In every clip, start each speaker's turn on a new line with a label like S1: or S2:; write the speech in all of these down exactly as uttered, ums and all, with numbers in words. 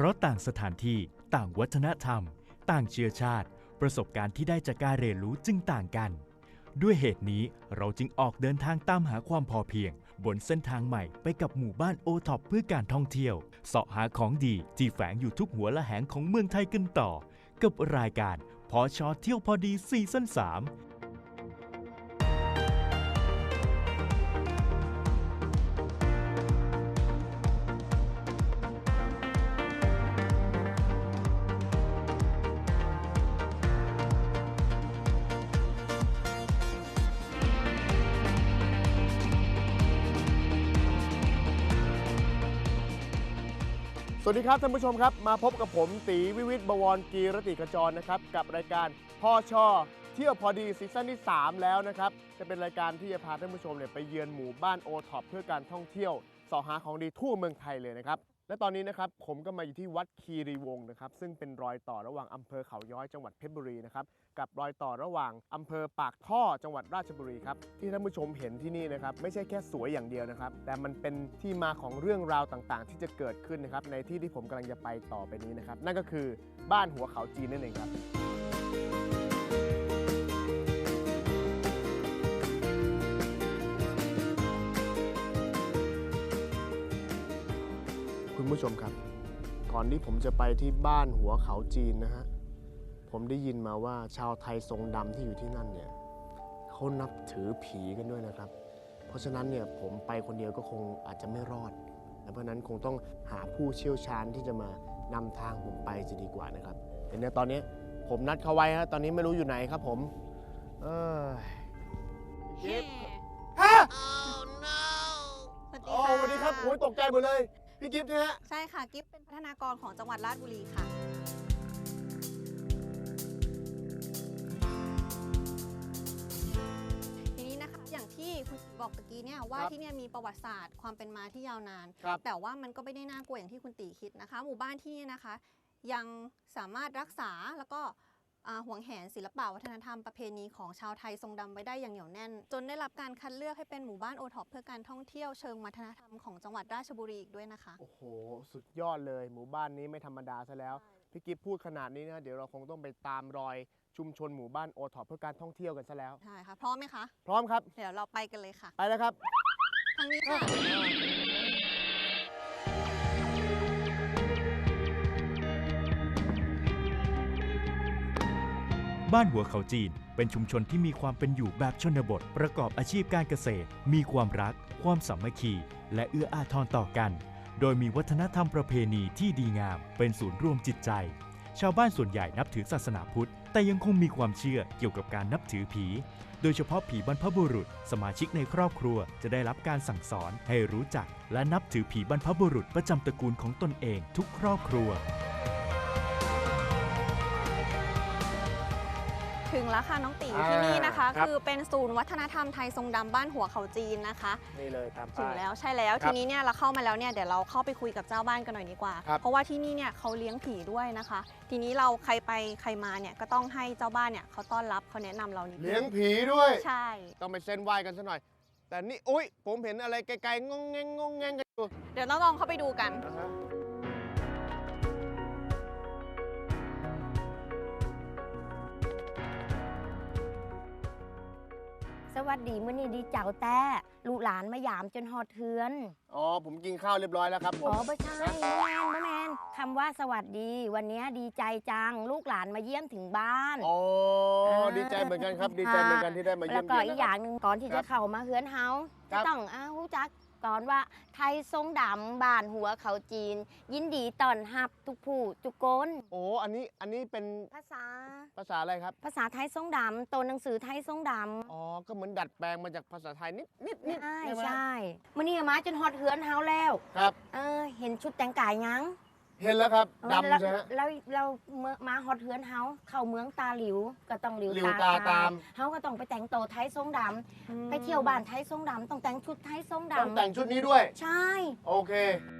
S1: ราะต่างสถานที่ต่างวัฒนธรรมต่างเชื้อชาติประสบการณ์ที่ได้จากการเรียนรู้จึงต่างกันด้วยเหตุนี้เราจึงออกเดินทางตามหาความพอเพียงบนเส้นทางใหม่ไปกับหมู่บ้านโอท็อปเพื่อการท่องเที่ยวเสาะหาของดีที่แฝงอยู่ทุกหัวละแหงของเมืองไทยกันต่อกับรายการพช.เที่ยวพอดีซีซั่นสาม
S2: สวัสดีครับท่านผู้ชมครับมาพบกับผมตีวิวิทย์บวรกีรติขจรนะครับกับรายการพช.เที่ยวพอดีซีซั่นที่สามแล้วนะครับจะเป็นรายการที่จะพาท่านผู้ชมเนี่ยไปเยือนหมู่บ้านโอท็อปเพื่อการท่องเที่ยวเสาะหาของดีทั่วเมืองไทยเลยนะครับและตอนนี้นะครับผมก็มาอยู่ที่วัดคีรีวงศ์นะครับซึ่งเป็นรอยต่อระหว่างอำเภอเขาย้อยจังหวัดเพชรบุรีนะครับกับรอยต่อระหว่างอำเภอปากท่อจังหวัดราชบุรีครับที่ท่านผู้ชมเห็นที่นี่นะครับไม่ใช่แค่สวยอย่างเดียวนะครับแต่มันเป็นที่มาของเรื่องราวต่างๆที่จะเกิดขึ้นนะครับในที่ที่ผมกำลังจะไปต่อไปนี้นะครับนั่นก็คือบ้านหัวเขาจีนนั่นเองครับคุณผู้ชมครับก่อนที่ผมจะไปที่บ้านหัวเขาจีนนะฮะผมได้ยินมาว่าชาวไทยทรงดำที่อยู่ที่นั่นเนี่ยเขานับถือผีกันด้วยนะครับเพราะฉะนั้นเนี่ยผมไปคนเดียวก็คงอาจจะไม่รอดเพราะนั้นคงต้องหาผู้เชี่ยวชาญที่จะมานำทางผมไปจะดีกว่านะครับแต่เนี่ยตอนนี้ผมนัดเขาไว้ฮะตอนนี้ไม่รู้อยู่ไหนครับผมเออกิฟฮะโอ้สวัสดีครับโอ้ยตกใจหมดเลยพี่กิฟต์นะฮะ
S3: ใช่ค่ะกิฟต์เป็นพัฒนากรของจังหวัดราชบุรีค่ะทีนี้นะคะอย่างที่คุณบอกตะกี้เนี่ยว่าที่เนี่ยมีประวัติศาสตร์ความเป็นมาที่ยาวนานแต่ว่ามันก็ไม่ได้น่ากลัวอย่างที่คุณตีคิดนะคะหมู่บ้านที่นี่นะคะยังสามารถรักษาแล้วก็ห่วงแหนศิลปะวัฒนธรรมประเพณีของชาวไทยทรงดำไว้ได้อย่างเหนียวแน่นจนได้รับการคัดเลือกให้เป็นหมู่บ้านโอท็อปเพื่อการท่องเที่ยวเชิงวัฒนธรรมของจังหวัดราชบุรีอีกด้วยนะคะ
S2: โอ้โหสุดยอดเลยหมู่บ้านนี้ไม่ธรรมดาซะแล้วพี่กิฟพูดขนาดนี้นะเดี๋ยวเราคงต้องไปตามรอยชุมชนหมู่บ้านโอท็อปเพื่อการท่องเที่ยวกันซะแล้ว
S3: ใช่ค่ะพร้อมไหมคะ
S2: พร้อมครับ
S3: เดี๋ยวเราไปกันเลยค่ะ
S2: ไปแล้วครับ
S3: ทางนี้ค่ะ
S1: บ้านหัวเขาจีนเป็นชุมชนที่มีความเป็นอยู่แบบชนบทประกอบอาชีพการเกษตรมีความรักความสามัคคีและเอื้ออาทรต่อกันโดยมีวัฒนธรรมประเพณีที่ดีงามเป็นศูนย์รวมจิตใจชาวบ้านส่วนใหญ่นับถือศาสนาพุทธแต่ยังคงมีความเชื่อเกี่ยวกับการนับถือผีโดยเฉพาะผีบรรพบุรุษสมาชิกในครอบครัวจะได้รับการสั่งสอนให้รู้จักและนับถือผีบรรพบุรุษประจำตระกูลของตนเองทุกครอบครัว
S3: ถึงแล้วค่ะน้องตีที่นี่นะคะคือเป็นศูนย์วัฒนธรรมไทยทรงดำบ้านหัวเขาจีนนะคะ
S2: นี่เลยตามป้าย
S3: ถึงแล้วใช่แล้วทีนี้เนี่ยเราเข้ามาแล้วเนี่ยเดี๋ยวเราเข้าไปคุยกับเจ้าบ้านกันหน่อยดีกว่าเพราะว่าที่นี่เนี่ยเขาเลี้ยงผีด้วยนะคะทีนี้เราใครไปใครมาเนี่ยก็ต้องให้เจ้าบ้านเนี่ยเขาต้อนรับเขาแนะนำเรานิดนึง
S2: เลี้ยงผีด้วย
S3: ใช่
S2: ต้องไปเส้นไหว้กันซะหน่อยแต่นี่อุ้ยผมเห็นอะไรไกลๆงงแงงงงแงงกันอยู่
S3: เดี๋ยวต้องลองเข้าไปดูกัน
S4: สวัสดีมื้อนี้ดีเจ้าแต่ลูกหลานมายามจนหอดเทือน
S2: อ๋อผมกินข้าวเรียบร้อยแล้วครับผม
S4: อ๋อไม่ใช่แมนแมนคำว่าสวัสดีวันนี้ดีใจจังลูกหลานมาเยี่ยมถึงบ้าน
S2: อ๋อดีใจเหมือนกันครับดีใจเหมือนกันที่ได้มาเยี่ยม
S4: แล้วก็อีกอย่างหนึ่งก่อนที่จะเข้ามาเฮือนเฮาจะต้องอ้าวจักก่อนว่าไทยทรงดำบ้านหัวเขาจีนยินดีต้อนรับทุกผู้ทุกคน
S2: โอ้อันนี้อันนี้เป็น
S4: ภาษา
S2: ภาษาอะไรครับ
S4: ภาษาไทยทรงดำตัวหนังสือไทยทรงด
S2: ำอ๋อก็เหมือนดัดแปลงมาจากภาษาไทยนิดนิดนิด
S4: ใช่ใช่มื้อนี้มาจนฮอดเฮือนเฮาแล้ว
S2: ครับ
S4: เออเห็นชุดแต่งกายยัง
S2: เห็นแล้วครับดำใช่ไหม
S4: แล้วเรามาฮอดเฮือนเฮาเข้าเมืองตาหลิวก็ต้องหลิว
S2: ตาตาม
S4: เฮาก็ต้องไปแต่งโตไทยทรงดำไปเที่ยวบ้านไทยทรงดำต้องแต่งชุดไทยทรงดำ
S2: ต้องแต่งชุดนี้ด้วย
S4: ใช่
S2: โอเค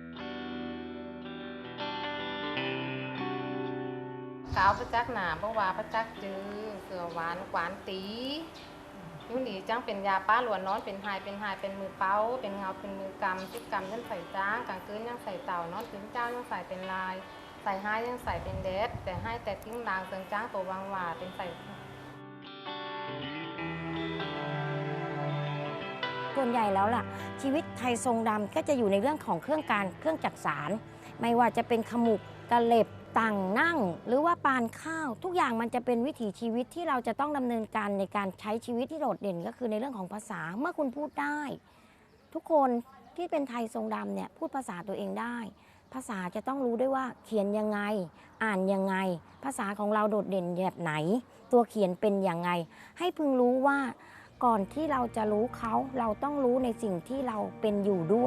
S5: สาวประจักษ์หนาเพราะว่าประจักษ์จือเสือหวานหวานตียุ่งดีจังเป็นยาป้าหลวนนอนเป็นหายเป็นหายเป็นมือเป้าเป็นเงาเป็นมือกำจิบกำยันใส่จ้างกลางคืนยังใส่เต่านอนถึงเจ้ายังใส่เป็นลายใส่ห้ายังใส่เป็นเดสแต่ให้แต่ติ้งลางเซิงจ้างตัววางหวาเป็นใส่
S4: ส่วนใหญ่แล้วล่ะชีวิตไทยทรงดำก็จะอยู่ในเรื่องของเครื่องการเครื่องจักสารไม่ว่าจะเป็นขมุกกระเหล็บต่างนั่ง หรือว่าปานข้าวทุกอย่างมันจะเป็นวิถีชีวิตที่เราจะต้องดำเนินการในการใช้ชีวิตที่โดดเด่นก็คือในเรื่องของภาษาเมื่อคุณพูดได้ ทุกคนที่เป็นไทยทรงดำเนี่ยพูดภาษาตัวเองได้ ภาษาจะต้องรู้ด้วยว่าเขียนยังไงอ่านยังไงภาษาของเราโดดเด่นแบบไหน ตัวเขียนเป็นยังไงให้พึงรู้ว่าก่อนที่เราจะรู้เขาเราต้องรู้ในสิ่งที่เราเป็นอยู่ด้วย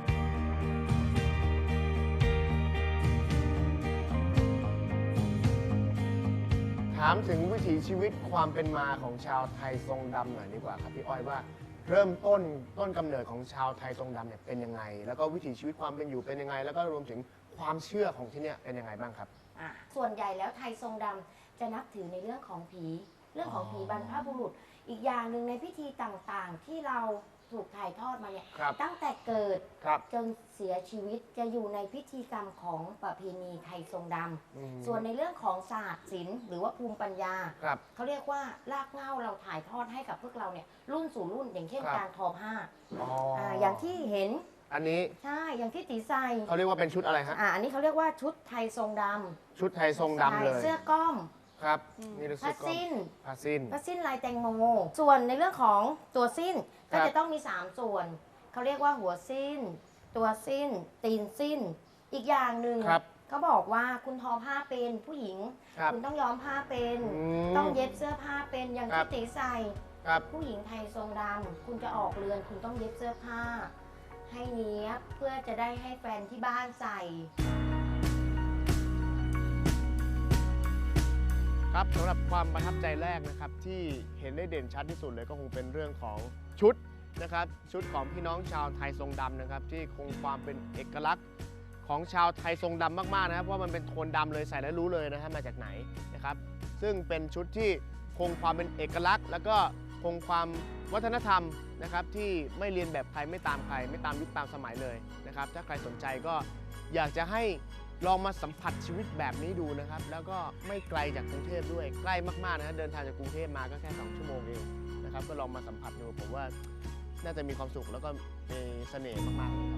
S2: ถามถึงวิถีชีวิตความเป็นมาของชาวไทยทรงดำหน่อยดีกว่าครับพี่อ้อยว่าเริ่มต้นต้นกำเนิดของชาวไทยทรงดำเนี่ยเป็นยังไง แล้วก็วิถีชีวิตความเป็นอยู่เป็นยังไง แล้วก็รวมถึงความเชื่อของที่เนี่ยเป็นยังไงบ้างครับ
S4: ส่วนใหญ่แล้วไทยทรงดำจะนับถือในเรื่องของผี เรื่องของผีบรรพบุรุษ อีกอย่างหนึ่งในพิธีต่างๆ ที่เราถูกถ่ายทอดมาเนี่ย
S2: ครับ
S4: ตั้งแต่เกิด
S2: ครับ
S4: จนเสียชีวิตจะอยู่ในพิธีกรรมของประเพณีไทยทรงด
S2: อืม
S4: ำส่วนในเรื่องของศาสตร์ศิลป์หรือว่าภูมิปัญญา
S2: ครับ
S4: เขาเรียกว่ารากเหง้าเราถ่ายทอดให้กับพวกเราเนี่ยรุ่นสู่รุ่นอย่างเช่น
S2: ครับ
S4: การทอผ้า
S2: อ๋อ
S4: อ่าอย่างที่เห็น
S2: อันนี้
S4: ใช่อย่างที่ตีใส่
S2: เขาเรียกว่าเป็นชุดอะไรฮะ
S4: อ่าอันนี้เขาเรียกว่าชุดไทยทรงด
S2: ชุดไทยทรง
S4: ำ
S2: ดำเลย
S4: เสื้อก้อม
S2: ครับนี่คือ
S4: ผ้า
S2: เสื้อก้อ
S4: สิ้น
S2: มผ้าสิ้น
S4: ผ้าสิ้นลายแตงโม ส่วนในเรื่องของตัวสิ้น
S2: ครั
S4: ก็
S2: บ
S4: จะต้องมี สาม ส่วน เขาเรียกว่าหัวสิ้น ตัวสิ้น ตีนสิ้น อีกอย่างหนึ่ง
S2: ครับ
S4: เขาบอกว่าคุณทอผ้าเป็นผู้หญิง
S2: ครับ
S4: คุณต้องย้อมผ้าเป็น
S2: อืม
S4: ต้องเย็บเสื้อผ้าเป็นอย่าง
S2: ครั
S4: ที่
S2: บ
S4: ตีใส่
S2: ครับ
S4: ผู้หญิงไทยทรงดำคุณจะออกเรือนคุณต้องเย็บเสื้อผ้า ให้เนี้ยบเพื่อจะได้ให้แฟนที่บ้านใส่
S2: ครับสำหรับความประทับใจแรกนะครับที่เห็นได้เด่นชัดที่สุดเลยก็คงเป็นเรื่องของชุดนะครับชุดของพี่น้องชาวไทยทรงดำนะครับที่คงความเป็นเอกลักษณ์ของชาวไทยทรงดำมากๆนะครับเพราะมันเป็นโทนดำเลยใส่แล้วรู้เลยนะฮะมาจากไหนนะครับซึ่งเป็นชุดที่คงความเป็นเอกลักษณ์ แล้วก็คงความวัฒนธรรมนะครับที่ไม่เรียนแบบใครไม่ตามใครไม่ตามยุคตามสมัยเลยนะครับถ้าใครสนใจก็อยากจะให้ลองมาสัมผัสชีวิตแบบนี้ดูนะครับแล้วก็ไม่ไกลจากกรุงเทพด้วยใกล้มากๆนะฮะเดินทางจากกรุงเทพมาก็แค่สองชั่วโมงเองนะครับก็ลองมาสัมผัสดูผมว่าน่าจะมีความสุขแล้วก็มีเสน่ห์มากๆเลยครับ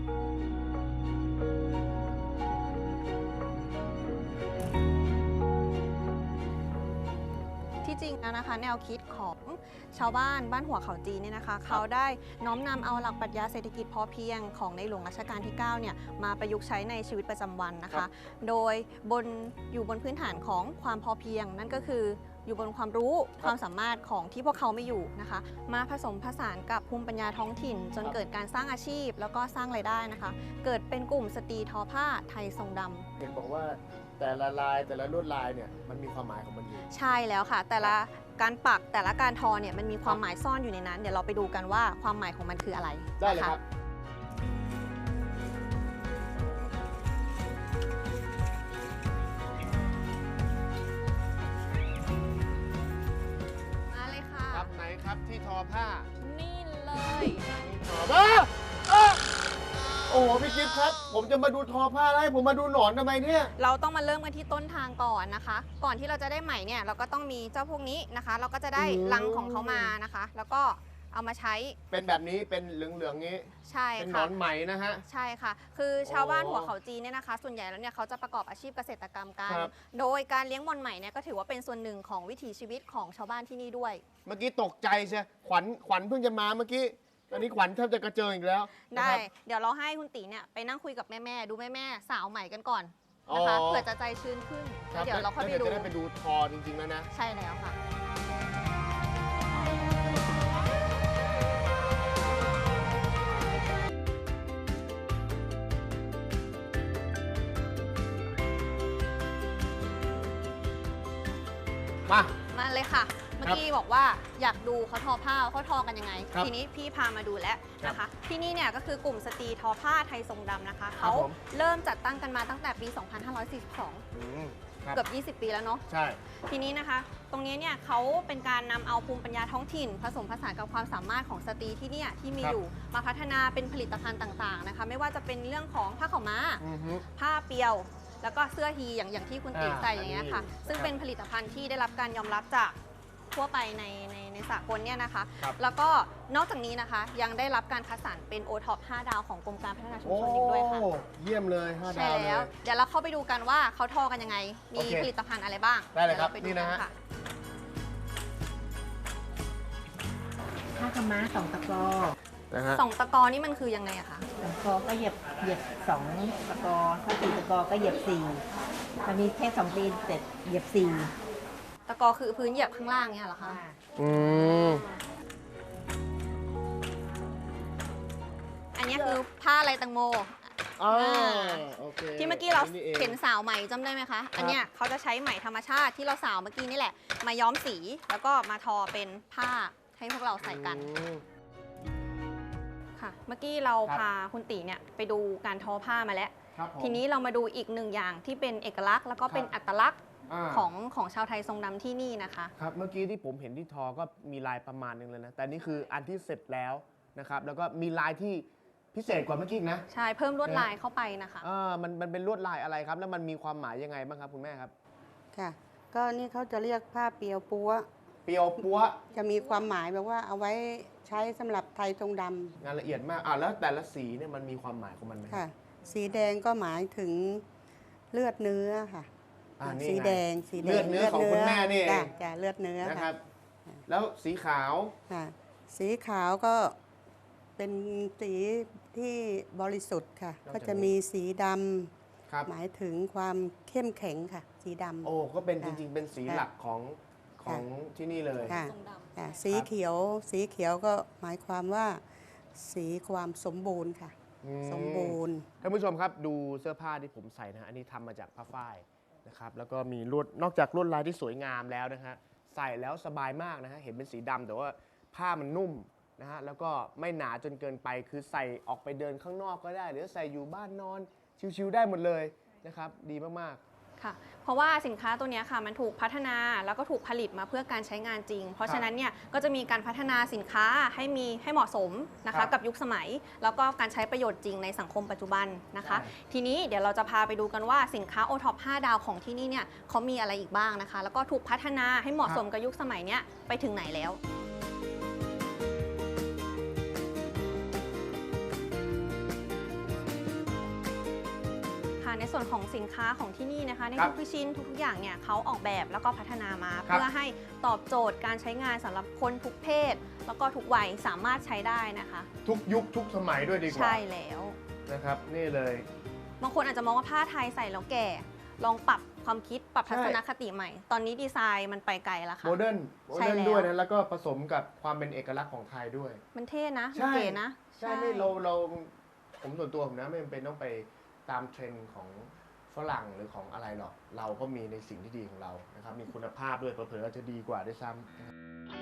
S3: ที่จริงแล้วนะคะแนวคิดของชาวบ้านบ้านหัวเขาจีนเนี่ยนะคะเขาได้น้อมนำเอาหลักปรัชญาเศรษฐกิจพอเพียงของในหลวงรัชกาลที่เก้าเนี่ยมาประยุกต์ใช้ในชีวิตประจำวันนะ
S2: ครั
S3: คะ
S2: บ
S3: โดยบนอยู่บนพื้นฐานของความพอเพียง นั่นก็คืออยู่บนความรู้ความสามารถของที่พวกเขาไม่อยู่นะคะ มาผสมผสานกับภูมิปัญญาท้องถิ่น จนเกิดการสร้างอาชีพ แล้วก็สร้างรายได้นะคะ เกิดเป็นกลุ่มสตรีทอผ้าไทยทรงดำ
S2: เห็นบอกว่าแต่ละลายแต่ละลวดลายเนี่ยมันมีความหมายของมันอยู่
S3: ใช่แล้วค่ะ แต่ละการปักแต่ละการทอเนี่ยมันมีความหมายซ่อนอยู่ในนั้น เดี๋ยวเราไปดูกันว่าความหมายของมันคืออะไร
S2: ได้เลย
S3: นะะ
S2: ครับ
S3: มาเลยค่ะ
S2: ครับไหนครับที่ทอผ้า
S3: นี่เลย
S2: ทอผ้าอ่ะโอ้โหพี่กิฟต์ครับ ผมจะมาดูทอผ้าแล้วให้ผมมาดูหนอนทำไมเนี่ย
S3: เราต้องมาเริ่มกันที่ต้นทางก่อนนะคะ ก่อนที่เราจะได้ไหมเนี่ยเราก็ต้องมีเจ้าพวกนี้นะคะ เราก็จะได้
S2: อืม
S3: รังของเขามานะคะ แล้วก็เอามาใช้
S2: เป็นแบบนี้เป็นเหลืองๆงี้
S3: ใช่
S2: เป็นหน
S3: ค่ะ
S2: อนไหมนะฮะ
S3: ใช่ค่ะ คือชาวบ้าน
S2: โอ้
S3: หัวเขาจีนเนี่ยนะคะ ส่วนใหญ่แล้วเนี่ยเขาจะประกอบอาชีพเกษตรกรรมกัน
S2: ครับ
S3: โดยการเลี้ยงมอนไหมเนี่ยก็ถือว่าเป็นส่วนหนึ่งของวิถีชีวิตของชาวบ้านที่นี่ด้วย
S2: เมื่อกี้ตกใจใช่ขวัญขวัญเพิ่งจะมาเมื่อกี้ตอนนี้ขวัญแทบจะกระเจิงอีกแล้วนะ
S3: ได้
S2: ครับ
S3: เดี๋ยวเราให้คุณตีเนี่ยไปนั่งคุยกับแม่ๆ ดูแม่ๆ สาวใหม่กันก่อนนะคะ
S2: อ๋อ
S3: เผื่อจะใจชื้นขึ้น
S2: ค
S3: แล้
S2: รั
S3: วเดี๋ยวเราค่อยไป
S2: แล้ว
S3: ดู
S2: จะได้ไปดูทอจริงๆแล้วนะ
S3: ใช่แล้วค่ะ
S2: มา
S3: มาเลยค่ะ เมื่อกี้บอกว่าอยากดูเขาทอผ้าเขาทอกันยังไง
S2: ครับ
S3: ทีนี้พี่พามาดูแล้วนะคะ ที่นี่เนี่ยก็คือกลุ่มสตรีทอผ้าไทยทรงดำนะคะ
S2: ครับ
S3: เขา
S2: ผม
S3: เริ่มจัดตั้งกันมาตั้งแต่ปี สองพันห้าร้อยสี่สิบสอง
S2: อืมครับ
S3: เกือบ ยี่สิบ ปีแล้วเนาะ
S2: ใช่
S3: ทีนี้นะคะ ตรงนี้เนี่ยเขาเป็นการนำเอาภูมิปัญญาท้องถิ่น ผสมผสานกับความสามารถของสตรีที่เนี่ยที่มี
S2: ครับ
S3: อยู่มาพัฒนาเป็นผลิตภัณฑ์ต่างๆนะคะ ไม่ว่าจะเป็นเรื่องของผ้าขาวม้า
S2: อือฮึ
S3: ผ้าเปียวแล้วก็เสื้อฮีอย่างอย่างที่คุณตี
S2: อ่า
S3: ใส่อย่างเงี้ยค่ะ
S2: อันนี้
S3: ซึ่ง
S2: ครับ
S3: เป็นผลิตภัณฑ์ที่ได้รับการยอมรับจากทั่วไปในในในสากลเนี่ยนะคะ
S2: ครับ
S3: แล้วก็นอกจากนี้นะคะยังได้รับการคัดสรรเป็น โอ ท็อป ห้า ดาวของกรมการพัฒนาชุม
S2: โอ้
S3: ชนอีกด้วยค่ะ
S2: เยี่ยมเลยห้า
S3: ใช่
S2: ดาวเล
S3: แล้ว
S2: ย
S3: เดี๋ยวเราเข้าไปดูกันว่าเขาทอกันยังไง มี
S2: โอเค
S3: ผลิตภัณฑ์อะไรบ้าง
S2: ได้เลยครับ
S3: ดี๋วาปดู
S2: นี่นะฮะ
S3: กัค่
S6: ผ้าขาวม้าสองตะกอ
S2: นะฮะ
S3: สองตะกอนี่มันคือยังไงอะคะ
S6: สองตะกอก็เหยียบเหยียบสองตะกอถ้าสี่ตะกอก็เหยียบสี่ถ้ามีแค่สองปีเสร็จเหยียบสี่
S3: ตะกอคือพื้นเหยียบข้างล่างเนี่ยเหรอคะ
S2: อืม
S3: อันนี้คือผ้าลายแตังโม
S2: อ่า
S3: อ่า
S2: โอเค
S3: ที่เมื่อกี้เรา
S2: นี่อง
S3: เห็นสาวไหมจำได้ไหมคะ อันเนี้ยเขาจะใช้ไหมธรรมชาติที่เราสาวเมื่อกี้นี่แหละ มาย้อมสีแล้วก็มาทอเป็นผ้าให้พวกเราใส่กัน
S2: อืม
S3: ค่ะ เมื่อกี้เรา
S2: ครับ
S3: พาคุณตีเนี่ยไปดูการทอผ้ามาแล้ว
S2: ครับผม
S3: ทีนี้เรามาดูอีกหนึ่งอย่างที่เป็นเอกลักษณ์แล้วก็เป็น
S2: ครับ
S3: อัตลักษณ์
S2: า
S3: ของของชาวไทยทรงดำที่นี่นะคะ
S2: ครับ เมื่อกี้ที่ผมเห็นที่ทอก็มีลายประมาณหนึงเลยนะ แต่นี่คืออันที่เสร็จแล้วนะครับ แล้วก็มีลายที่พิเศษกว่าเมื่อกี้อีกนะ
S3: ใช่เพิ่มลวดลายเข้าไปนะคะ
S2: อ่ามันมันเป็นลวดลายอะไรครับ แล้วมันมีความหมายยังไงบ้างครับคุณแม่ครับ
S7: ค่ะ ก็นี่เขาจะเรียกผ้าเปียวปัว
S2: เปียวปัว
S7: จะมีความหมายแบบว่าเอาไว้ใช้สำหรับไทยทรงด
S2: งานละเอียดมาก อ่าแล้วแต่ละสีเนี่ยมันมีความหมายของมันไหม
S7: ำค่ะ สีแดงก็หมายถึงเลือดเนื้อค่ะ
S2: อ่านี่
S7: สี
S2: ไง
S7: แดงสีแดง
S2: เลือดเนื้อของคุณแม่นี่เอง
S7: จ้ะจ้ะเลือดเนื้อ
S2: นะค
S7: ค่ะ
S2: รับ แล้วสีขาว
S7: ค่ะ สีขาวก็เป็นสีที่บริสุทธิ์ค่ะ ก็จะมีสีด
S2: ครับ
S7: ำหมายถึงความเข้มแข็งค่ะ สีดำ
S2: โอ้ ก็เป็นจ
S7: ค่ะ
S2: ริงๆ เป็นสี
S7: ค่ะ
S2: หลักของของที่นี่เลย
S7: ค่ะ
S3: ทรงดำ
S7: ค่ะสีเขียวสีเขียวก็หมายความว่า สีความสมบูรณ์ค่ะ
S2: อืม
S7: สมบูรณ์
S2: ท่านผู้ชมครับดูเสื้อผ้าที่ผมใส่นะฮะอันนี้ทำมาจากผ้าฝ้ายนะครับแล้วก็มีลวดนอกจากลวดลายที่สวยงามแล้วนะฮะใส่แล้วสบายมากนะฮะเห็นเป็นสีดำแต่ว่าผ้ามันนุ่มนะฮะแล้วก็ไม่หนาจนเกินไปคือใส่ออกไปเดินข้างนอกก็ได้ หรือใส่อยู่บ้านนอนชิวๆได้หมดเลยนะครับดีมาก
S3: ค่ะเพราะว่าสินค้าตัวเนี้ยค่ะมันถูกพัฒนาแล้วก็ถูกผลิตมาเพื่อการใช้งานจริง เพราะฉะนั้นเนี่ยก็จะมีการพัฒนาสินค้าให้มีให้เหมาะสมนะ
S2: ครั
S3: คะ
S2: บ
S3: กับยุคสมัย แล้วก็การใช้ประโยชน์จริงในสังคมปัจจุบันนะคะ
S2: ใช่
S3: ทีนี้เดี๋ยวเราจะพาไปดูกันว่าสินค้า โอ ท็อป ห้า ดาวของที่นี่เนี่ยเขามีอะไรอีกบ้างนะคะ แล้วก็ถูกพัฒนาให้เหมาะสมกับยุคสมัยเนี้ยไปถึงไหนแล้ว ค่ะในส่วนของสินค้าของที่นี่นะคะใน
S2: ครับ
S3: ทุกๆชิ้นทุกๆอย่างเนี่ยเขาออกแบบแล้วก็พัฒนามา
S2: ครับ
S3: เพื่อให้ตอบโจทย์การใช้งานสำหรับคนทุกเพศ แล้วก็ทุกวัยสามารถใช้ได้นะคะ
S2: ๆ ทุกยุคทุกสมัยด้วยดีกว่า
S3: ใช่แล้ว
S2: นะครับนี่เลย
S3: บางคนอาจจะมองว่าผ้าไทยใส่แล้วแก่ ลองปรับความคิดปรับทัศนคติใหม่ ตอนนี้ดีไซน์มันไปไกลแล้วค่ะ
S2: โมเดิร์นโม
S3: ใช่
S2: เดิร์น
S3: แล้ว
S2: ด้วยนะแล้วก็ผสมกับความเป็นเอกลักษณ์ของไทยด้วย
S3: มันเท่นะ
S2: ใช่
S3: มันเก๋นะ
S2: ใช่ไม่เราเราผมส่วนตัวผมนะไม่จำเป็นต้องไปตามเทรนด์ของฝรั่งหรือของอะไรหรอก เราก็มีในสิ่งที่ดีของเรานะครับมีคุณภาพด้วยเผลอๆอาจจะดีกว่าด้วยซ้ำนะครับ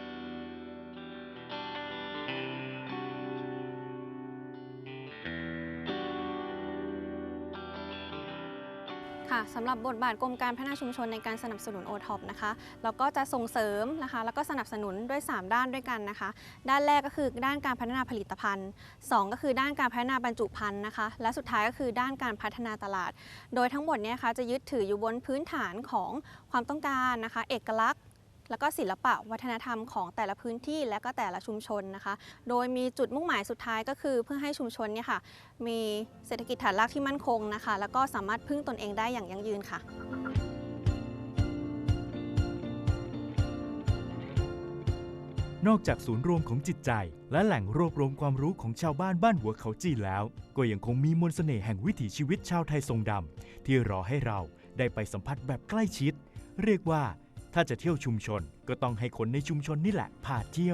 S3: ค่ะสำหรับบทบาทกรมการพัฒนาชุมชนในการสนับสนุน โอ ท็อป นะคะเราก็จะส่งเสริมนะคะแล้วก็สนับสนุนด้วย สาม ด้านด้วยกันนะคะ ด้านแรกก็คือด้านการพัฒนาผลิตภัณฑ์ สอง ก็คือด้านการพัฒนาบรรจุภัณฑ์นะคะและสุดท้ายก็คือด้านการพัฒนาตลาด โดยทั้งหมดเนี่ยคะจะยึดถืออยู่บนพื้นฐานของความต้องการนะคะเอกลักษณ์ แล้วก็ศิลปะวัฒนธรรมของแต่ละพื้นที่และก็แต่ละชุมชนนะคะ โดยมีจุดมุ่งหมายสุดท้ายก็คือเพื่อให้ชุมชนเนี่ยค่ะมีเศรษฐกิจฐานรากที่มั่นคงนะคะ แล้วก็สามารถพึ่งตนเองได้อย่างยั่งยืนค่ะ
S1: นอกจากศูนย์รวมของจิตใจ และแหล่งรวบรวมความรู้ของชาวบ้านบ้านหัวเขาจีนแล้ว ก็ยังคงมีมนต์เสน่ห์แห่งวิถีชีวิตชาวไทยทรงดำที่รอให้เราได้ไปสัมผัสแบบใกล้ชิด เรียกว่าถ้าจะเที่ยวชุมชนก็ต้องให้คนในชุมชนนี่แหละพาเที่ยว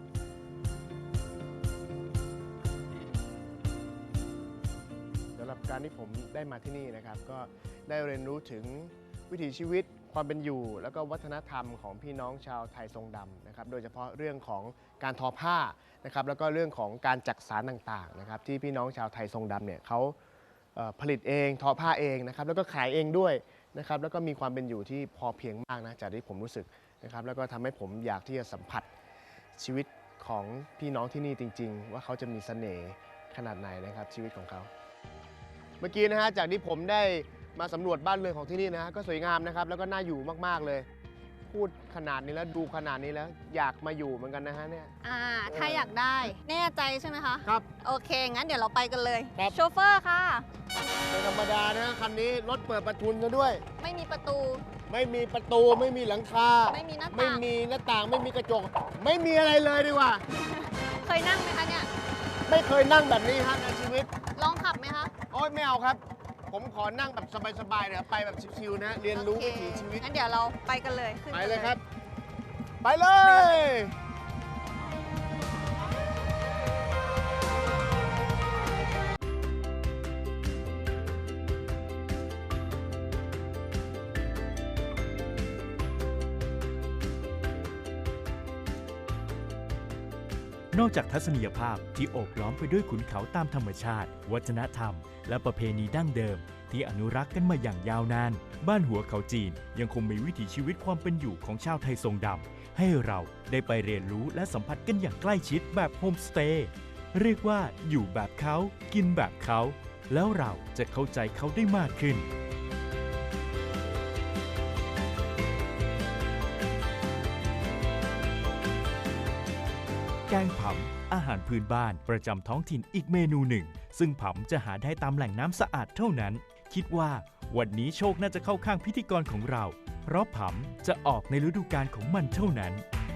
S2: สำหรับการที่ผมได้มาที่นี่นะครับ ก็ได้เรียนรู้ถึงวิถีชีวิตความเป็นอยู่ แล้วก็วัฒนธรรมของพี่น้องชาวไทยทรงดำนะครับ โดยเฉพาะเรื่องของการทอผ้านะครับแล้วก็เรื่องของการจักสานต่างๆนะครับที่พี่น้องชาวไทยทรงดำเนี่ยเขาเอ่อผลิตเองทอผ้าเองนะครับแล้วก็ขายเองด้วยนะครับแล้วก็มีความเป็นอยู่ที่พอเพียงมากนะจากที่ผมรู้สึกนะครับแล้วก็ทำให้ผมอยากที่จะสัมผัสชีวิตของพี่น้องที่นี่จริง ๆ ว่าเขาจะมีเสน่ห์ขนาดไหนนะครับชีวิตของเขา เมื่อกี้นะฮะจากที่ผมได้มาสำรวจบ้านเรือนของที่นี่นะก็สวยงามนะครับแล้วก็น่าอยู่มากๆเลย พูดขนาดนี้แล้วดูขนาดนี้แล้วอยากมาอยู่เหมือนกันนะฮะเนี่ย
S3: อ่าถ้าอยากได้แน่ใจใช่ไหมคะ
S2: ครับ
S3: โอเค งั้นเดี๋ยวเราไปกันเลย
S2: ครับ
S3: โชเฟอร์ค่ะ
S2: ไม่ธรรมดานะคันนี้รถเปิดประทุนซะด้วย
S3: ไม่มีประตู
S2: ไม่มีประตูไม่มีหลังคา
S3: ไม่มีหน้า
S2: ไม่
S3: ต่าง
S2: มีหน้าต่างไม่มีกระจก ไม่มีอะไรเลยดีกว่า
S3: เคยนั่งไหมคะเนี่ย
S2: ไม่เคยนั่งแบบนี้ฮะในชีวิต
S3: ลองขับไหมคะ
S2: โอ๊ยไม่เอาครับ ผมขอนั่งแบบสบายๆเนี่ยไปแบบชิวๆนะเรียนรู้
S3: โอ
S2: วิ
S3: เค
S2: ถีชีวิต
S3: งั้นเดี๋ยวเราไปกันเลยขึ้น
S2: ไป
S3: กัน
S2: เลยครับ ไปเลย
S1: นอกจากทัศนียภาพที่โอบล้อมไปด้วยขุนเขาตามธรรมชาติ วัฒนธรรม และประเพณีดั้งเดิม ที่อนุรักษ์กันมาอย่างยาวนาน บ้านหัวเขาจีนยังคงมีวิถีชีวิตความเป็นอยู่ของชาวไทยทรงดำให้เราได้ไปเรียนรู้และสัมผัสกันอย่างใกล้ชิดแบบโฮมสเตย์เรียกว่าอยู่แบบเขากินแบบเขา แล้วเราจะเข้าใจเขาได้มากขึ้น แกงผำอาหารพื้นบ้านประจำท้องถิ่นอีกเมนูหนึ่ง ซึ่งผำจะหาได้ตามแหล่งน้ำสะอาดเท่านั้น คิดว่าวันนี้โชคน่าจะเข้าข้างพิธีกรของเรา เพราะผำจะออกในฤดูกาลของมันเท่านั้น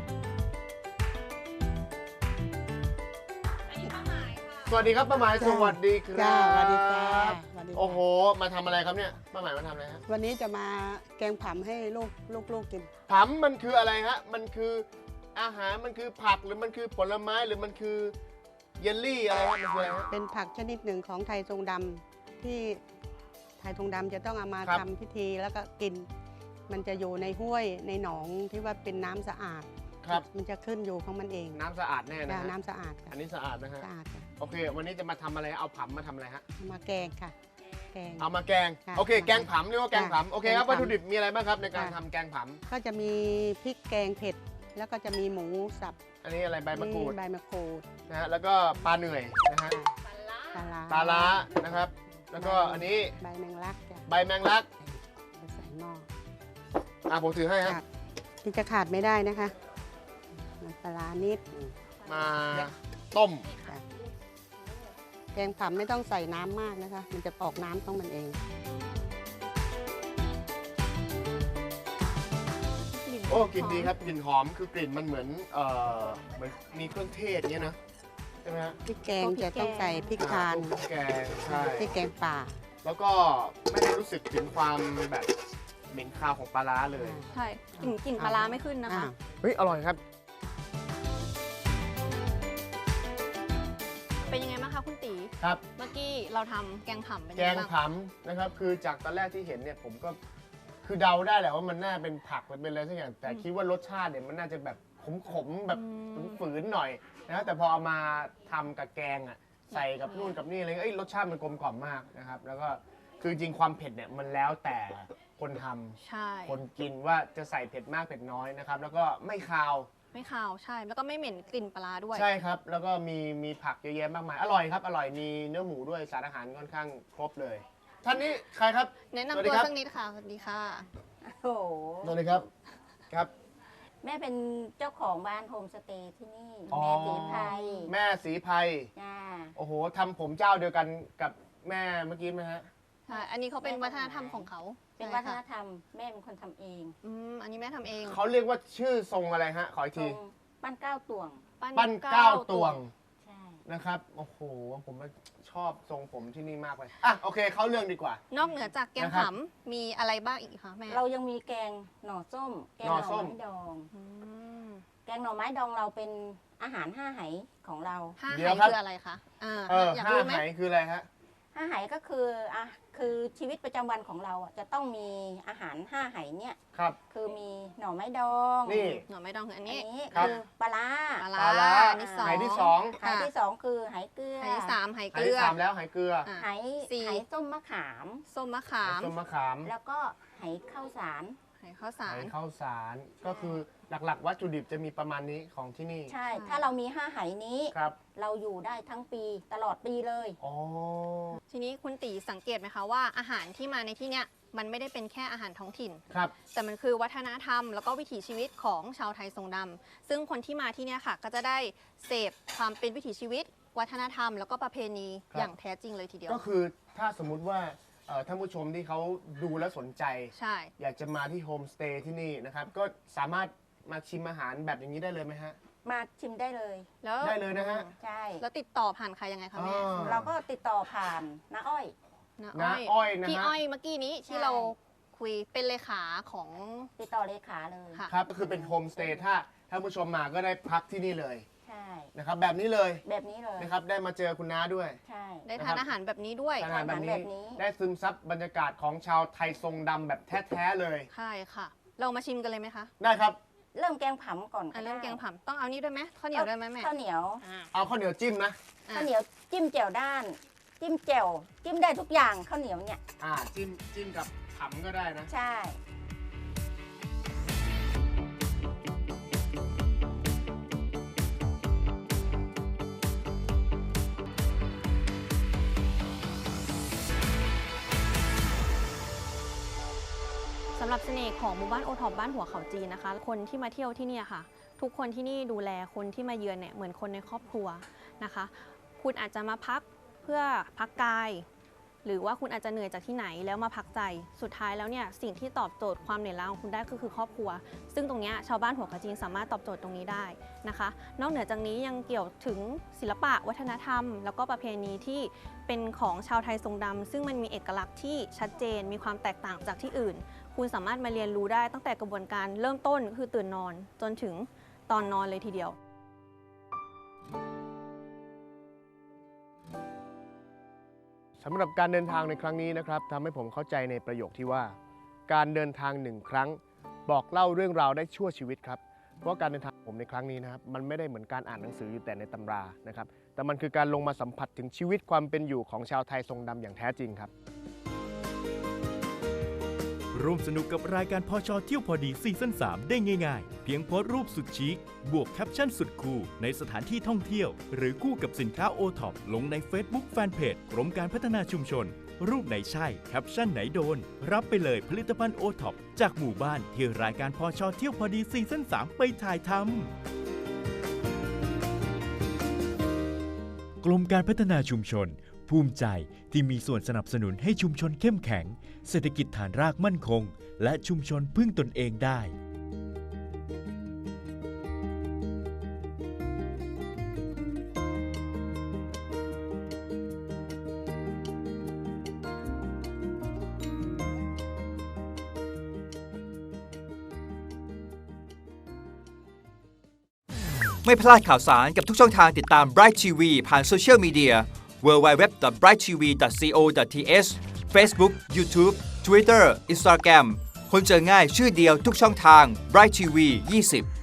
S2: สวัสดีครับป้าหมายสวัสดีครับ
S7: จ้าสวัสดีจ้าสวัสดีจ้า
S2: โอ้โห มาทำอะไรครับเนี่ยป้าหมายมาทำอะไรฮะ
S7: วันนี้จะมาแกงผำให้ลูกลูกลูกกิน
S2: ผำมันคืออะไรฮะมันคืออาหารมันคือผักหรือมันคือผลไม้หรือมันคือเยลลี่อะไรฮะมันคืออะไรฮะ
S7: เป็นผักชนิดหนึ่งของไทยทรงดำที่ไทยทรงดำจะต้องเอามา
S2: ครับ
S7: ทำพิธีแล้วก็กิน มันจะอยู่ในห้วยในหนองที่ว่าเป็นน้ำสะอาด
S2: ครับ
S7: มันจะขึ้นอยู่ของมันเอง
S2: น้ำสะอาดแน่นะ
S7: จ้า
S2: ฮะ
S7: น้ำสะอาดค่ะ
S2: อันนี้สะอาดนะฮะ
S7: สะอาดค่ะ
S2: โอเค วันนี้จะมาทำอะไรเอาผำมาทำอะไรฮะ
S7: เอามาแกงค่ะ แกง
S2: เอามาแกง
S7: ค่ะ
S2: โอเค แกงผำเรียกว่าแกงผำโอเคครับ
S7: แกงผำ
S2: วัตถุดิบมีอะไรบ้างครับในการ
S7: ค่ะ
S2: ทำแกงผ
S7: ก็จะมีพริกแกงเผ็ด แล้วก็จะมีหมูสับ
S2: ำอันนี้อะไรใบมะกรูด
S7: ใบมะกรูด
S2: นะฮะแล้วก็ปลาเหนื่อยนะฮะ
S7: ปลาร้า
S2: ปลาล้านะครับ แล้วก็อันนี้
S7: ใบแมงลักจ้ะ
S2: ใบแมงลัก
S7: เอาใส่หม้อ
S2: อ่ะผมถือให้ฮะ
S7: ค่ะที่จะขาดไม่ได้นะคะน้ำปลาร้านิดหนึ่ง
S2: มาต้ม
S7: จ้ะแกงผำไม่ต้องใส่น้ำมากนะคะ มันจะออกน้ำของมันเอง
S2: โอ้กลิ่นดีครับกลิ่นหอมคือกลิ่นมันเหมือนเอ่อเหมือนมีเครื่องเทศเงี้ยนะใช่ไหมฮะ
S7: พริกแกงจะต้องใส่พริกทาน
S2: อ่พวกแกงใช่
S7: พริกแกงป่า
S2: แล้วก็ไม่ได้รู้สึกถึงความแบบเหม็นคาวของปลาร้าเลย
S3: ใช่กลิ่นกลิ่นปลาร้าไม่ขึ้นนะคะ
S7: อ้าว
S2: เฮ้ยอร่อยครับ
S3: เป็นยังไงบ้างคะคุณตี
S2: ครับ
S3: เมื่อกี้เราทำแกงผำเป็น
S2: แก
S3: ยัง
S2: ง
S3: ไงบ้าง
S2: ผำนะครับคือจากตอนแรกที่เห็นเนี่ยผมก็คือเดาได้แหละว่ามันน่าเป็นผักมันเป็นอะไรสักอย่างแต่คิดว่ารสชาติเนี่ยมันน่าจะแบบขมๆแบบฝืนๆหน่อยนะแต่พอเอามาทำกับแกงอ่ะใส่กับนู่นกับนี่อะไรเงี้ยเอ้ยรสชาติมันกลมกล่อมมากนะครับแล้วก็คือจริงๆความเผ็ดเนี่ยมันแล้วแต่คนทำ
S3: ใช่
S2: คนกินว่าจะใส่เผ็ดมากเผ็ดน้อยนะครับแล้วก็ไม่คาว
S3: ไม่คาวใช่ แล้วก็ไม่เหม็นกลิ่นปลาร้าด้วย
S2: ใช่ครับ แล้วก็มีมีผักเยอะแยะมากมาย อร่อยครับ อร่อย มีเนื้อหมูด้วย สารอาหารค่อนข้างครบเลย ท่านนี้ใครครับ
S3: แนะ
S2: สวัส
S3: นำ
S2: ดี
S3: ตัว
S2: ครับ
S3: สักนิดค่ะ สวัสดีค่ะ
S4: โอ้โห
S2: สวัสดีครับ ครับ
S4: แม่เป็นเจ้าของบ้านโฮมสเตย์ที่นี่
S2: อ๋อ
S4: แม่สีไพร
S2: แม่สีไพร
S4: จ้า
S2: โอ้โหทำผมเจ้าเดียวกันกับแม่เมื่อกี้ไหมฮะ
S3: ใช่ อันนี้เขาเป็นวัฒนธรรมของเขา
S4: เป็น
S3: ใช่
S4: วัฒน
S3: ค่ะ
S4: ธรรมแม่เป็นคนทำเอง
S3: อืมอันนี้แม่ทำเอง
S2: เขาเรียกว่าชื่อทรงอะไรฮะ ขออีก
S4: ตร
S2: ที
S4: งบ้านเก้าตวง
S2: ปั้นเก้าตวง
S4: ใช่
S2: นะครับ โอ้โห ผมชอบทรงผมที่นี่มากเลย อ่ะ โอเค เข้าเรื่องดีกว่า
S3: นอกเหนือจากแกง
S2: นะครับ
S3: ผำมีอะไรบ้างอีกคะแม่
S4: เรายังมีแกงหน่อส้ม แกง
S2: ห
S4: ห
S2: น่
S4: น่
S2: อ
S4: อ
S2: ส้ม
S4: ไม้ดอง
S3: อืม
S4: แกงหน่อไม้ดองเราเป็นอาหารห้าไหของเรา
S3: ห้า
S2: เดี๋
S3: ไห
S2: ยวครับ
S3: คืออะไรคะอ่า
S2: เออ
S3: อยาก
S2: ห้า
S3: รู้ไห
S2: ไห
S3: ม
S2: คืออะไรฮะ
S4: ห้าไหก็คืออ่ะคือชีวิตประจำวันของเราอ่ะจะต้องมีอาหารห้าไหเนี่ย
S2: ครับ
S4: คือมีหน่อไม้ดอง
S2: นี่
S3: หน่อไม้ดองคืออัน
S4: อัน
S3: นี้
S4: นี้
S2: ครับ
S4: คือปลาร้า
S3: ปลา
S2: ปลาร้า
S3: อันที่สอง
S2: ไหที่สอง
S4: ไหที่สองคือไหเกลือ
S3: ไหที่สามไห
S2: ไห
S3: เกลื
S2: ที่
S3: อ
S2: สามแล้วไหเกลือ
S3: อ่ะ
S4: ไห
S3: สี่
S4: ไหส้มมะขาม
S3: ส้มมะขาม
S2: ส้มมะขาม
S4: แล้วก็ไหข้าวสาร
S3: ไหข้าวสาร
S2: ไหข้าวสารก็คือหลักๆ วัตถุดิบจะมีประมาณนี้ของที่นี่
S4: ใช่ ถ้าเรามีห้าไหนี้
S2: ครับ
S4: เราอยู่ได้ทั้งปีตลอดปีเลย
S2: อ๋อ
S3: ทีนี้คุณตีสังเกตไหมคะว่าอาหารที่มาในที่เนี้ยมันไม่ได้เป็นแค่อาหารท้องถิ่น
S2: ครับ
S3: แต่มันคือวัฒนธรรมแล้วก็วิถีชีวิตของชาวไทยทรงดำซึ่งคนที่มาที่เนี่ยค่ะ ก็จะได้เสพความเป็นวิถีชีวิต วัฒนธรรมแล้วก็ประเพณี
S2: ครับ
S3: อย่างแท้จริงเลยทีเดียว
S2: ก็คือถ้าสมมุติว่าเอ่อท่านผู้ชมที่เขาดูแล้วสนใจ
S3: ใช่
S2: อยากจะมาที่โฮมสเตย์ที่นี่นะครับ ก็สามารถมาชิมอาหารแบบอย่างนี้ได้เลยไหมฮะ
S4: มาชิมได้เลย
S3: แล้ว
S2: ได้เลยนะฮะ
S4: ใช่
S3: แล้วติดต่อผ่านใครยังไงคะแม่
S2: อ่า
S4: เราก็ติดต่อผ่านน้าอ้อย
S3: น้า
S2: น้าอ้อยนะฮะ
S3: พี่อ้อยเมื่อกี้นี้ที่
S4: ใช่
S3: เราคุยเป็นเลขาของ
S4: ติดต่อเลขาเลย
S3: ค่ะ
S2: ครับก็คือเป็นโฮมสเตย์ถ้าท่านผู้ชมมาก็ได้พักที่นี่เลย
S4: ใช่
S2: นะครับ แบบนี้เลย
S4: แบบนี้เลย
S2: นะครับได้มาเจอคุณน้าด้วย
S4: ใช่
S3: ได้ทานอาหารแบบนี้ด้วย
S2: อาหารแบบ
S4: อาหาร
S2: นี้
S4: แบบนี้
S2: ได้ซึมซับบรรยากาศของชาวไทยทรงดำแบบแท้ๆเลย
S3: ใช่ค่ะ เรามาชิมกันเลยไหมคะ
S2: ได้ครับ
S4: เริ่มแกงผำก่อน
S3: อ่ะ
S4: ได้
S3: เริ่มแกงผำต้องเอานี่ด้วยไหมข้าวเหนียวด้วยไหมแม่
S4: ข้าวเหนียว
S3: อ่า
S2: เอาข้าวเหนียวจิ้มนะ
S3: อ่ะ
S4: ข้าวเหนียวจิ้มแจ่วด้าน จิ้มแจ่วจิ้มได้ทุกอย่างข้าวเหนียวเนี่ย
S2: อ่าจิ้มจิ้มกับขำก็ได้นะ
S4: ใช่
S3: สำหรับเสน่ห์ของหมู่บ้านโอท็อปบ้านหัวเขาจีนนะคะ คนที่มาเที่ยวที่เนี่ยค่ะ ทุกคนที่นี่ดูแลคนที่มาเยือนเนี่ยเหมือนคนในครอบครัวนะคะ คุณอาจจะมาพักเพื่อพักกาย หรือว่าคุณอาจจะเหนื่อยจากที่ไหนแล้วมาพักใจสุดท้ายแล้วเนี่ยสิ่งที่ตอบโจทย์ความเหนื่อยล้าของคุณได้ก็คือครอบครัว ซึ่งตรงเนี้ยชาวบ้านหัวเขาจีนสามารถตอบโจทย์ตรงนี้ได้นะคะ นอกเหนือจากนี้ยังเกี่ยวถึงศิลปะวัฒนธรรม แล้วก็ประเพณีที่เป็นของชาวไทยทรงดำซึ่งมันมีเอกลักษณ์ที่ชัดเจนมีความแตกต่างจากที่อื่น คุณสามารถมาเรียนรู้ได้ตั้งแต่กระบวนการเริ่มต้นก็คือตื่นนอนจนถึงตอนนอนเลยทีเดียว
S2: สำหรับการเดินทางในครั้งนี้นะครับทำให้ผมเข้าใจในประโยคที่ว่า การเดินทางหนึ่งครั้ง บอกเล่าเรื่องราวได้ชั่วชีวิตครับเพราะการเดินทางของผมในครั้งนี้นะครับมันไม่ได้เหมือนการอ่านหนังสืออยู่แต่ในตำรานะครับแต่มันคือการลงมาสัมผัสถึงชีวิตความเป็นอยู่ของชาวไทยทรงดำอย่างแท้จริงครับ
S1: ร่วมสนุกกับรายการพชเที่ยวพอดีซีซั่นสามได้ง่ายๆ เพียงโพสต์รูปสุดชิคบวกแคปชั่นสุดคูลในสถานที่ท่องเที่ยว หรือคู่กับสินค้าโอท็อปลงใน Facebook Fanpage กรมการพัฒนาชุมชน รูปไหนใช่แคปชั่นไหนโดน รับไปเลยผลิตภัณฑ์โอท็อปจากหมู่บ้านที่รายการพชเที่ยวพอดีซีซั่นสามไปถ่ายทำกรมการพัฒนาชุมชนภูมิใจที่มีส่วนสนับสนุนให้ชุมชนเข้มแข็งเศรษฐกิจฐานรากมั่นคงและชุมชนพึ่งตนเองได้
S8: ไม่พลาดข่าวสารกับทุกช่องทางติดตาม Bright ที วี ผ่านโซเชียลมีเดีย ดับเบิลยู ดับเบิลยู ดับเบิลยู ดอท ไบรท์ ที วี ดอท ซี โอ ดอท ที เอช Facebook YouTube Twitter Instagram คนเจอง่ายชื่อเดียวทุกช่องทาง Bright ที วี ยี่สิบ